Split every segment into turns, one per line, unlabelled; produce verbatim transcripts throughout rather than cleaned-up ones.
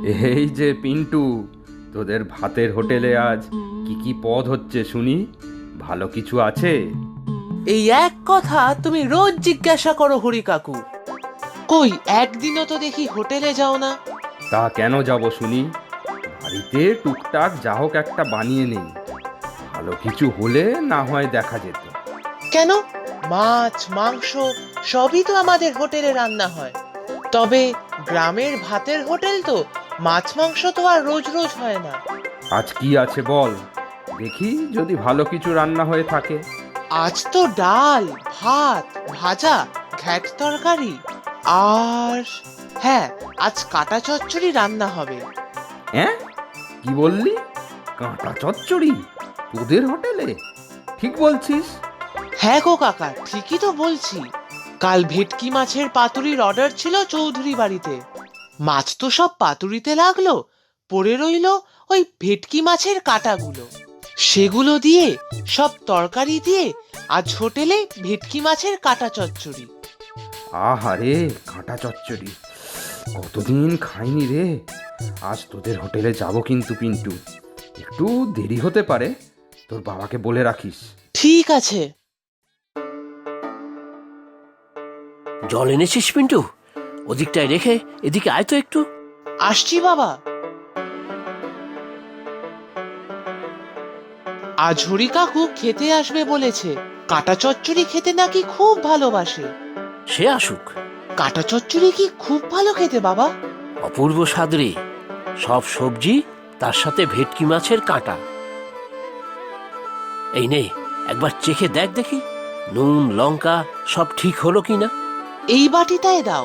এই যে পিন্টু, তোদের ভাতের হোটেলে আজ কি কি পদ হচ্ছে শুনি? ভালো কিছু আছে?
এই এক কথা তুমি রোজ জিজ্ঞাসা করো হরি কাকু। কই একদিনও তো দেখি হোটেলে যাও না।
তা কেন যাব শুনি? বাড়িতে টুকটাক যা হোক একটা বানিয়ে নেই। ভালো কিছু হলে না হয় দেখা যেত।
কেন? মাছ মাংস সবই তো আমাদের হোটেলে রান্না হয়। তবে গ্রামের ভাতের হোটেল তো, মাছ মাংস তো আর রোজ রোজ হয় না।
আজ কি আছে বল, দেখি যদি ভালো কিছু রান্না হয়ে থাকে।
আজ তো ডাল ভাত ভাজা ঘ্যাট তরকারি আর হ্যাঁ, আজ কাটা চচ্চড়ি রান্না হবে।
হ্যাঁ, কি বললি? কাঁটা চচ্চড়ি তোদের হোটেলে? ঠিক বলছিস?
হ্যাঁ গো কাকা, ঠিকই তো বলছি। কাল ভেটকি মাছের পাতুরির অর্ডার ছিল চৌধুরী বাড়িতে। মাছ তো সব পাতুরিতে লাগলো, পড়ে রইলো ওই ভেটকি মাছের কাঁটাগুলো। সেগুলো দিয়ে সব তরকারি দিয়ে আজ হোটেলে ভেটকি মাছের কাঁটা চচ্চড়ি।
আহারে, কাঁটা চচ্চড়ি কতদিন খাইনি রে। আজ তোদের হোটেলে যাব কিন্তু পিন্টু। একটু দেরি হতে পারে, তোর বাবাকে বলে রাখিস।
ঠিক আছে।
জল এনেছিস পিন্টু? ওদিকটায় রেখে এদিকে আয় তো একটু।
আসছি বাবা। আজ হরি কাকু খেতে আসবে বলেছে। কাঁটা চচ্চড়ি খেতে নাকি খুব ভালোবাসে।
সে আসুক।
কাঁটা চচ্চড়ি কি খুব ভালো খেতে বাবা?
অপূর্ব স্বাদ রে। সব সবজি, তার সাথে ভেটকি মাছের কাঁটা। এই নে, একবার চেখে দেখ দেখি নুন লঙ্কা সব ঠিক হলো কিনা।
এই বাটিটায় দাও।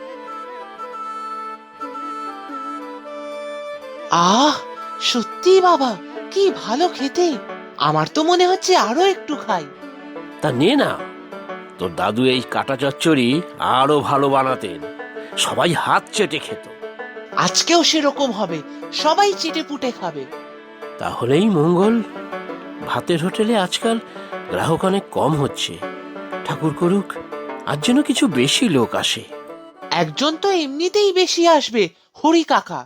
আহ, সত্যি বাবা, কি ভালো খেতে। আমার তো মনে হচ্ছে আরো একটু খাই।
তা নে না। তোর দাদু এই কাঁটা চচ্চড়ি আরো ভালো বানাতেন, সবাই হাত চেটে খেত।
আজকেও সেরকম হবে, সবাই চেটে পুটে খাবে।
তাহলেই মঙ্গল। ভাতের হোটেলে আজকাল গ্রাহক অনেক কম হচ্ছে। ঠাকুর করুক আজ যেন কিছু বেশি লোক আসে।
একজন তো এমনিতেই বেশি আসবে, হরি কাকা।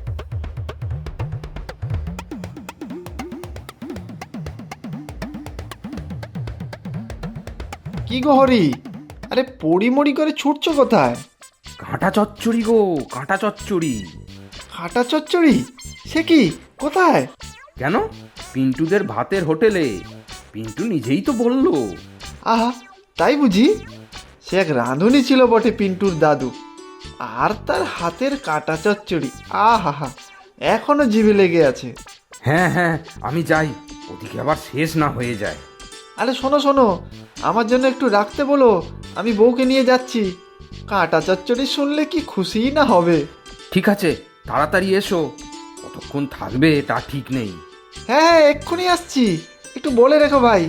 কি গো হরি, আরে পড়িমড়ি করে ছুটছো কোথায়?
কাঁটা চচ্চড়ি গো, কাঁটা চচ্চড়ি।
হাঁটা চচ্চড়ি? সে কি, কোথায়?
কেন? পিন্টুদের ভাতের হোটেলে। পিন্টু নিজেই তো বললো।
আহা, তাই বুঝি? সে এক রাঁধুনি ছিল বটে পিন্টুর দাদু। আর তার হাতের কাঁটা চচ্চড়ি, আহা হা, এখনো জিভে লেগে আছে।
হ্যাঁ হ্যাঁ, আমি যাই, ওদিকে আবার শেষ না হয়ে যায়।
আরে শোনো শোনো, আমার জন্য একটু রাখতে বলো, আমি বউকে নিয়ে যাচ্ছি। কাঁটা চচ্চড়ি শুনলে কি খুশিই না হবে।
ঠিক আছে, তাড়াতাড়ি এসো। কতক্ষণ থাকবে তা ঠিক নেই।
হ্যাঁ হ্যাঁ, এক্ষুনি আসছি, একটু বলে রেখো ভাই।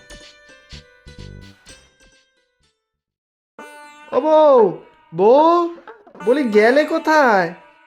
ও বউ, বউ, বলি গেলে কোথায়?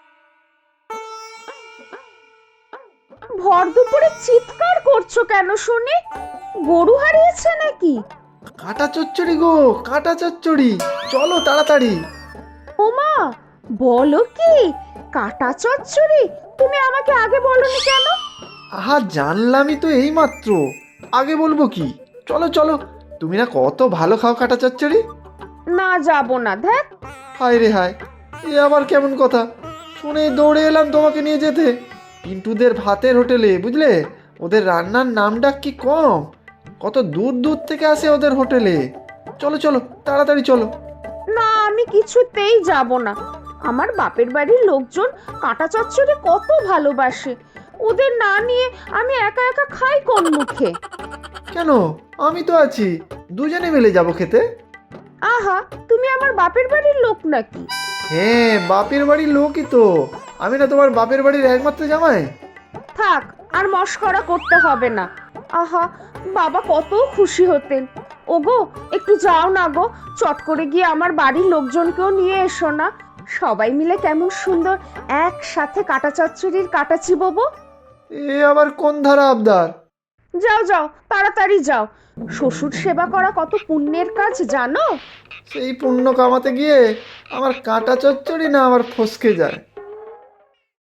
ভর দুপুরে চিৎকার করছো কেন শুনি? গরু হারিয়েছে নাকি?
কাঁটা চচ্চড়ি গো, কাঁটা চচ্চড়ি, চলো তাড়াতাড়ি।
ওমা, বলো কি? কাটা চচ্চড়ি? তুমি আমাকে আগে বলনি কেন?
আহা, জানলামই তো এই মাত্র, আগে বলবো কি? চলো চলো, তুমি না কত ভালো খাও কাঁটা চচ্চড়ি।
না, যাব না, দেখ।
হায় রে হায়, এ আবার কেমন কথা? শুনে দৌড়ে এলাম তোমাকে নিয়ে যেতে। পিন্টুদের ভাতের হোটেলে, বুঝলে? ওদের রান্নার নাম ডাক কি কম, কত দূর দূর থেকে আসে ওদের হোটেলে। চলো চলো তাড়াতাড়ি চলো।
না, আমি কিছুতেই যাব না। আমার বাপের বাড়ির লোকজন কাটা চচ্চড়ি কত ভালোবাসে। ওদের না নিয়ে আমি একা একা খাই কোন মুখে?
কেন, আমি তো আছি, দুজনে মিলে যাবো খেতে।
আহা, তুমি আমার বাপের বাড়ির লোক নাকি?
হ্যাঁ, বাপের বাড়ির লোকই তো। আমি না তোমার বাপের বাড়ির একমাত্র জামাই।
থাক, আর মস্করা করতে হবে না। আহা, বাবা কত খুশি হতেন। ওগো, একটু যাও না গো, চট করে গিয়ে আমার বাড়ির লোকজনকেও নিয়ে এসো না। সবাই মিলে কেমন সুন্দর একসাথে কাটা চচ্চড়ির কাটা চিবোবো।
এ আবার কোন ধারা আবদার?
যাও যাও, তাড়াতাড়ি যাও। শ্বশুর সেবা করা কত পুণ্যের কাজ জানো?
সেই পুণ্য কামাতে গিয়ে আমার কাঁটা চচ্চড়ি না আমার ফসকে যায়।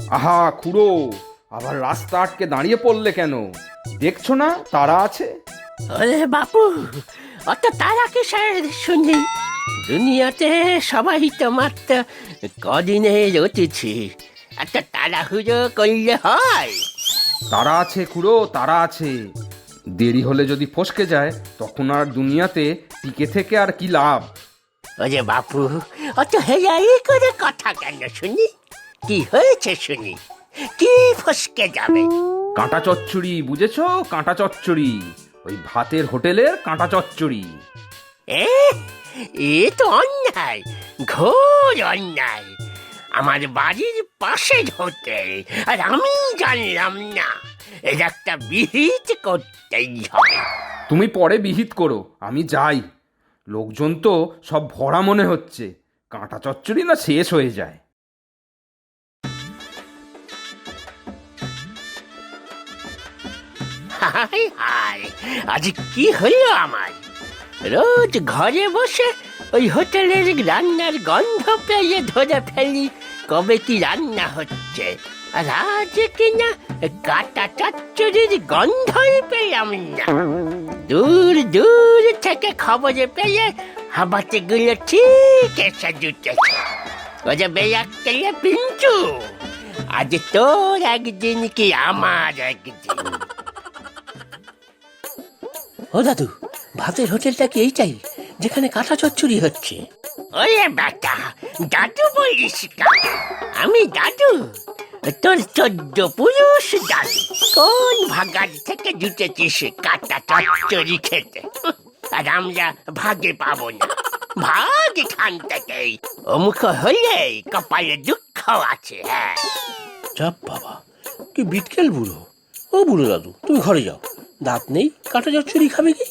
আহা খুড়ো, আবার রাস্তা আটকে দাঁড়িয়ে পড়লে কেন? দেখছো না তারা আছে?
আরে বাপু, অত তারা কিসের শুনি? দুনিয়াতে সবাই তো মাত্র কদিনের অতিথি, এত তাড়াহুড়ো করলে হয়?
তারা আছে খুড়ো, তারা আছে। দেরি হলে যদি ফসকে যায় তখন আর দুনিয়াতে টিকে থেকে আর কি লাভ?
ওরে বাপু, অত হেয়াই করে কথা কেন শুনি? কি হয়েছে শুনি? কি ফসকে যাবে?
কাঁটা চচ্চড়ি, বুঝেছো? কাঁটা চচ্চড়ি, ওই ভাতের হোটেলের কাঁটা চচ্চড়ি।
এ এ তো অন্যায়, ঘোর অন্যায়। আমার বাড়ির পাশে হোটেল আর আমি জানলাম না? এর একটা বিহিত করতেই হবে।
তুমি পরে বিহিত করো, আমি যাই। লোকজন তো সব ভরা মনে হচ্ছে, কাঁটা চচ্চড়ি না শেষ হয়ে যায়।
হায় হায়, আজ কি হলো আমার? রোজ ঘরে বসে ওই হোটেলের রান্নার গন্ধ পেয়ে ধরে ফেলি কবে কি রান্না হচ্ছে, আর আজ কিনা কাঁটা চচ্চড়ির গন্ধই পেলাম না। দূর দূর থেকে খবরে পেয়ে হাবাতে গুলো ঠিক এসে জুটেছে। ওরে বেয়াক্কেলে পিঞ্চু, আজ তোর একদিন কি আমার একদিন। ও দাদু, ভাতের হোটেলটা কি এইটাই যেখানে কাঁটা চচ্চড়ি হচ্ছে? ওরে বেটা, দাদু বলিস কাকে? আমি দাদু? তোর চোদ্দ পুরুষ দাদু। কোন ভাগার থেকে জুটেছিস কাঁটা চচ্চড়ি খেতে? আর আমরা ভাগে পাবো না, ভাগ এখান থেকেই। অমুখ হলে কপালে দুঃখ আছে। হ্যাঁ, চাপ বাবা, কি বিটকেল বুড়ো। ও বুড়ো দাদু, তুমি ঘরে যাও, দাঁত নেই, কাঁটা চচ্চড়ি খাবে কি?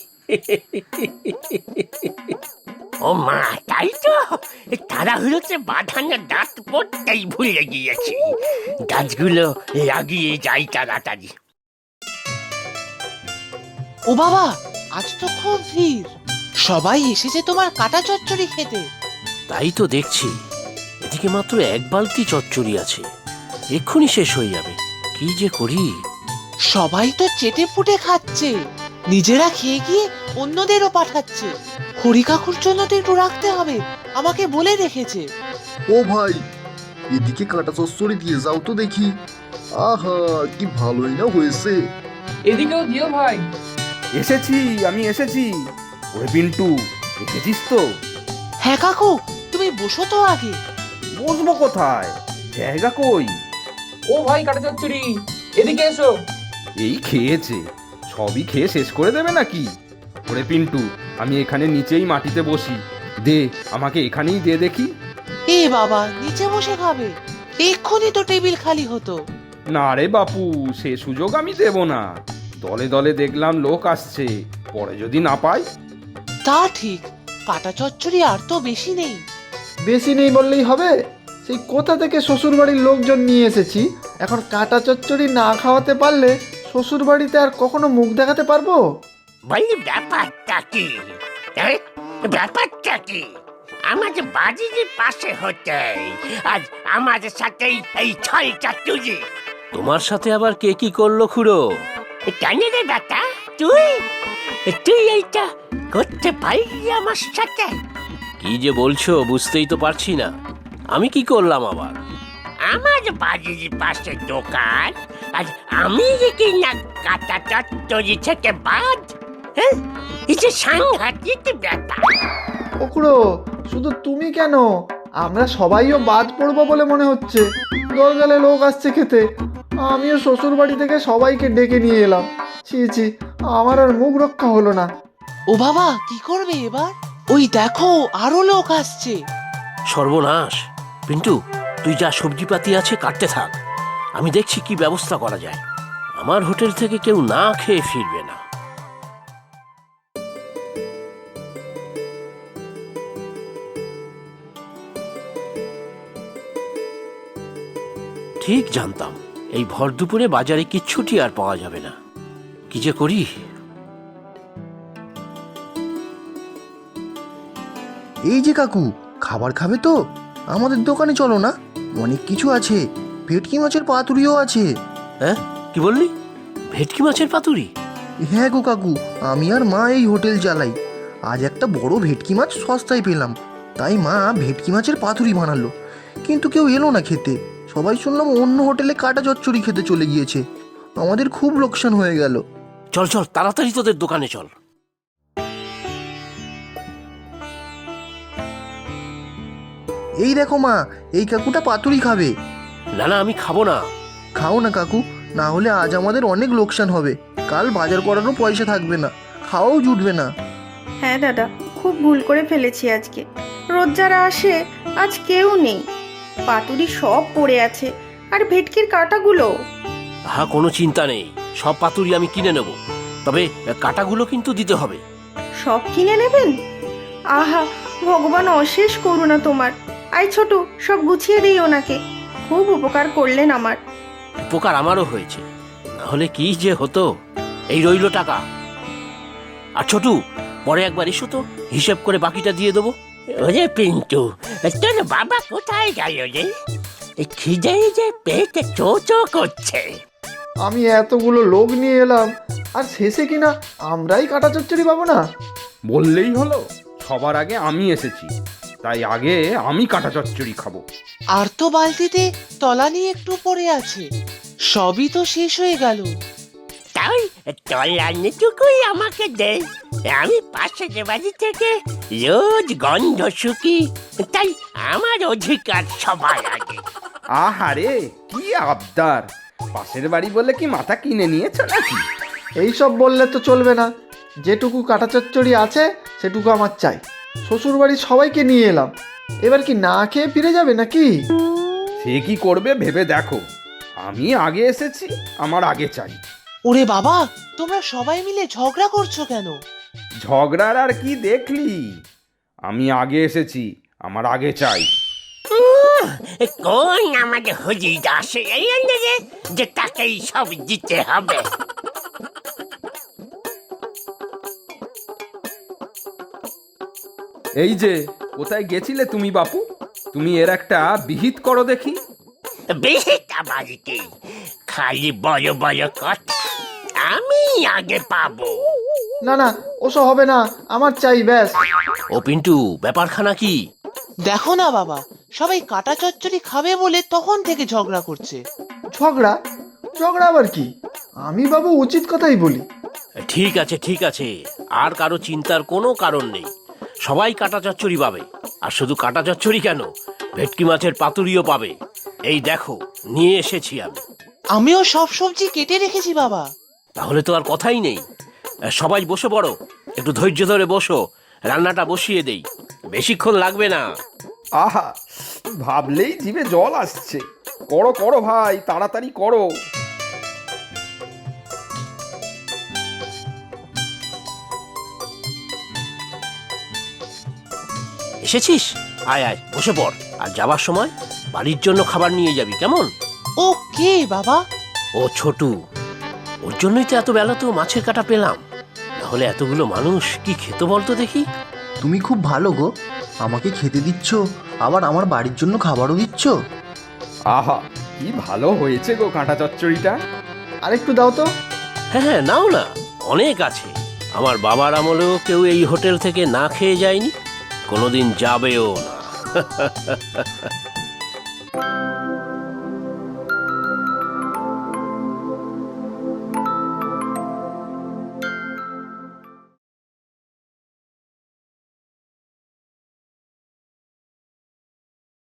ও মা, তাই তো, তাড়াহুড়োতে বাঁধানো দাঁত পড়তেই ভুলে গিয়েছি। দাঁতগুলো লাগিয়ে যাই তাড়াতাড়ি।
ও বাবা, আজ তো খুব ভিড়, সবাই এসেছে তোমার কাঁটা চচ্চড়ি খেতে।
তাই তো দেখছি, এদিকে মাত্র এক বালতি চচ্চড়ি আছে, এক্ষুনি শেষ হয়ে যাবে। কি যে করি?
সবাই তো চেটে ফুটে খাচ্ছে, নিজেরা খেয়ে গিয়ে অন্যদেরও পাঠাচ্ছে। হরি কাকুর জন্য তো একটু রাখতে হবে, আমাকে বলে রেখেছে।
ও ভাই, এদিকে কাঁটা চচ্চড়ি দিয়ে যাও তো দেখি। আহা, কি ভালোই না হয়েছে।
এদিকেও দিও ভাই।
এসেছি, আমি এসেছি। ওরে পিন্টু, দেখেছিস তো?
হ্যাঁ কাকু, তুমি বসো তো আগে।
বসবো কোথায়? জায়গা কই?
ও ভাই কাটা চচ্চড়ি, এদিকে এসো।
এই খেয়েছে, সবই খেয়ে শেষ করে দেবে নাকি? ওরে পিন্টু, আমি এখানে নিচেই মাটিতে বসি, দে আমাকে এখানেই দে দেখি।
এ বাবা, নিচে বসে খাবে? এক্ষুনি তো টেবিল খালি হতো।
না রে বাপু, সে সুযোগ আমি দেব না। দলে দলে দেখলাম লোক আসছে, পরে যদি না পাই।
তা ঠিক, কাঁটা চচ্চড়ি আর তো বেশি নেই।
বেশি নেই বললেই হবে? সেই কোথা থেকে শ্বশুরবাড়ির লোকজন নিয়ে এসেছি, এখন কাঁটা চচ্চড়ি না খাওয়াতে পারলে শ্বশুরবাড়িতে আর কখনো মুখ দেখাতে পারবো?
ভাই, ব্যাপারটা কি? হ্যাঁ? ব্যাপারটা কি? আমাদের বাড়ির পাশে হতে আজ আমাদের সাথে এই ছয়টা তুলি। তোমার সাথে আবার কে কি করলো খুড়ো? কেন রে বেটা, তুই তুই এইটা করতে পারলি আমার সাথে? কি যে বলছো বুঝতেই তো পারছি না। আমি কি করলাম আবার? আমার বাড়ির পাশে দোকান আর আমি কি না কাঁটা চচ্চড়ি থেকে বাদ? হ্যাঁ, এই যে সাংঘাতিক ব্যাপার।
ওকুড়ো, শুধু তুমি কেন, আমরা সবাইও বাদ পড়বো বলে মনে হচ্ছে। দরজালে লোক আসছে খেতে, আমিও শ্বশুর বাড়ি থেকে সবাইকে ডেকে নিয়ে এলাম। ছি ছি, আমার আর মুখ রক্ষা হলো না।
ও বাবা, কি করবে এবার? ওই দেখো, আরো লোক আসছে।
সর্বনাশ! পিন্টু, তুই যা সবজিপাতি আছে কাটতে থাক, আমি দেখছি কি ব্যবস্থা করা যায়। আমার হোটেল থেকে কেউ না খেয়ে ফিরবে না। ঠিক জানতাম এই ভর দুপুরে বাজারে কিচ্ছুটি আর পাওয়া যাবে না। কি যে করি?
এই যে কাকু, খাবার খাবে তো? আমাদের দোকানে চলো না, অনেক কিছু আছে। ভেটকি মাছের পাতুরিও আছে।
হ্যাঁ কি বললি? ভেটকি মাছের পাতুরি?
হ্যাঁ গো কাকু, আমি আর মা এই হোটেল চালাই। আজ একটা বড় ভেটকি মাছ সস্তায় পেলাম, তাই মা ভেটকি মাছের পাতুরি বানালো। কিন্তু কেউ এলো না খেতে, সবাই শুনলাম অন্য হোটেলে কাটা চচ্চড়ি খেতে চলে গিয়েছে। আমাদের খুব লোকসান হয়ে গেল।
চল চল তাড়াতাড়ি তোদের দোকানে চল।
এই দেখো মা, এই কাকুটা পাতুরি খাবে।
না না আমি খাবো না।
খাও না কাকু, না হলে আজ আমাদের অনেক লোকসান হবে। কাল বাজার করারও পয়সা থাকবে না, খাওয়াও জুটবে না।
হ্যাঁ দাদা, খুব ভুল করে ফেলেছি আজকে। রোজ যারা আসে আজ কেউ নেই, পাতুরি সব পড়ে আছে, আর ভেটকির কাঁটাগুলো।
হ্যাঁ কোনো চিন্তা নেই, সব পাতুরি আমি কিনে নেব, তবে কাটাগুলো কিন্তু দিতে হবে।
সব কিনে নেবেন? আহা, ভগবান অশেষ করুণা তোমার। আই ছোট, সব গুছিয়ে দিই ওনাকে। খুব উপকার করলেন আমার।
উপকার আমারও হয়েছে, না হলে কি যে হতো। এই রইল টাকা। আর ছোটু, পরে একবার এসো তো, হিসেব করে বাকিটা দিয়ে দেবো। ওরে পিন্টু, তোর বাবা কোথায় গেল রে? খিদে যে পেটে চো চো করছে।
আমি এতগুলো লোক নিয়ে এলাম, আর শেষে কিনা আমরাই কাটা চচ্চড়ি পাবো না।
বললেই হলো, সবার আগে আমি এসেছি, তাই আগে আমি কাটা চচ্চড়ি খাবো।
আর তো বালতিতে তলানি একটু পড়ে আছে, সবই তো শেষ হয়ে গেল।
তাই তলানিটুকুই আমাকে দে, আমি পাশের বাড়ি থেকে রোজ গন্ধ শুকি, তাই আমার অধিকার সবার আগে।
আহারে কি আবদার! পাশের বাড়ি বলে কি মাথা কিনে নিয়েছ নাকি?
এইসব বললে তো চলবে না। যেটুকু কাটা চচ্চড়ি আছে সেটুকু আমার চাই। শ্বশুর বাড়ির সবাইকে নিয়ে এলাম, এবার কি না খেয়ে ফিরে যাবে নাকি?
সে কি করবে ভেবে দেখো। আমি আগে এসেছি, আমার আগে চাই।
ওরে বাবা, তোমরা সবাই মিলে ঝগড়া করছো কেন?
ঝগড়ার আর কি দেখলি? আমি আগে এসেছি, আমার আগে চাই।
কোন আমাদের হুজুর আসে এই আন্দাজে যে তাকেই সব দিতে হবে।
এই যে, কোথায় গেছিলে তুমি বাপু? তুমি এর একটা বিহিত করো দেখি।
বেশিটা বাড়িতে খালি বড় বড় কথা, আমি আগে পাবো।
না না, ওসব হবে না, আমার চাই ব্যাস।
ও পিন্টু, ব্যাপারখানা কি?
দেখো না বাবা, সবাই কাটা চচ্চড়ি খাবে বলে তখন থেকে ঝগড়া করছে।
ঝগড়া? ঝগড়া আবার কি? আমি বাবু উচিত কথাই বলি।
ঠিক আছে ঠিক আছে, আর কারো চিন্তার কোনো কারণ নেই। সবাই কাটা চচ্চড়ি পাবে, আর শুধু কাটা চচ্চড়ি কেন, ভেটকি মাছের পাতুরিও পাবে। এই দেখো নিয়ে এসেছি আমি।
আমিও সব সবজি কেটে রেখেছি বাবা।
তাহলে তো আর কথাই নেই, সবাই বসে পড়ো, একটু ধৈর্য ধরে বসো, রান্নাটা বসিয়ে দেই, বেশিক্ষণ লাগবে না।
আহা, ভাবলেই জিভে জল আসছে। করো করো ভাই, তাড়াতাড়ি করো।
এসেছিস? আয় আয় বসে পড়, আর যাবার সময় বাড়ির জন্য খাবার নিয়ে যাবি, কেমন?
ও কে বাবা?
ও ছোটু, ওর জন্যই তো এত বেলাতেও মাছের কাটা পেলাম, নাহলে এতগুলো মানুষ কি খেতে বলতো দেখি।
তুমি খুব ভালো গো, আমাকে খেতে দিচ্ছ, আবার আমার বাড়ির জন্য খাবারও দিচ্ছ।
আহা, কি ভালো হয়েছে গো কাঁটা চচ্চড়িটা।
আরেকটু দাও তো।
হ্যাঁ হ্যাঁ নাও না, অনেক আছে। আমার বাবার আমলেও কেউ এই হোটেল থেকে না খেয়ে যায়নি, কোনোদিন যাবেও না।